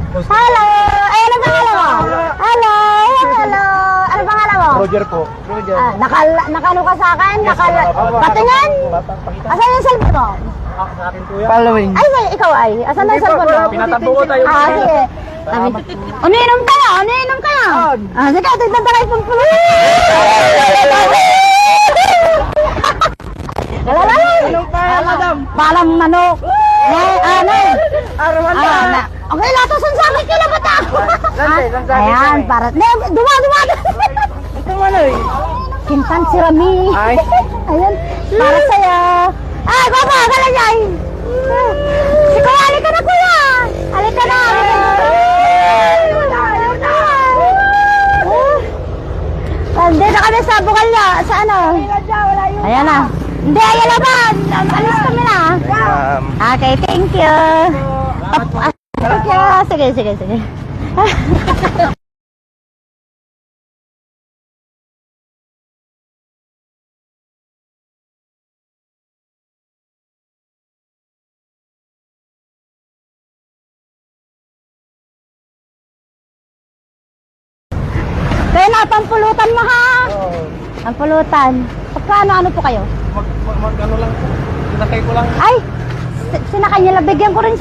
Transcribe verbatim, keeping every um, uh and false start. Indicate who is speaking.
Speaker 1: Hello! Ay, ano pangalan mo? Hello! Hello! Ano pangalan mo?
Speaker 2: Roger po. Roger.
Speaker 1: Ah, nakal nakano ka sa akin? Nakal patingin? Asan yung cellphone mo?
Speaker 2: Sa akin po yan. Following.
Speaker 1: Ay, say, ikaw ay. Asan na yung cellphone mo?
Speaker 2: Pinatambo ko tayo.
Speaker 1: Ah, sige. Umiinom kayo, umiinom kayo. Ah, sige, tignan tayo pang pulo.
Speaker 2: Anong kaya, madam?
Speaker 1: Palang manok. Eh, ano? Ah, na. Okay, latasan sa akin kila bata.
Speaker 2: Lantay, lantay.
Speaker 1: Ayan, para. Ne, duma, duma.
Speaker 2: Ito man eh.
Speaker 1: Kintan si Rami.
Speaker 2: Ay.
Speaker 1: Ayan, para sa'yo. Ay, baba, kala niya. Si Kuya, halika na, Kuya. Halika na, halika na. Hindi na kami sa Bukalya, sa ano? Ayan na. Hindi, ayan na ba? Alis kami na.
Speaker 2: Um,
Speaker 1: Okay, thank you. Ah, thank you. Sige, sige, sige. Kaya na, pampulutan mo ha. Pampulutan. Pagkano, ano po kayo?
Speaker 2: mag, mag, mag, ano lang po. Sinakay ko lang.
Speaker 1: Ay, si- sinakay niya lang. Bigyan ko rin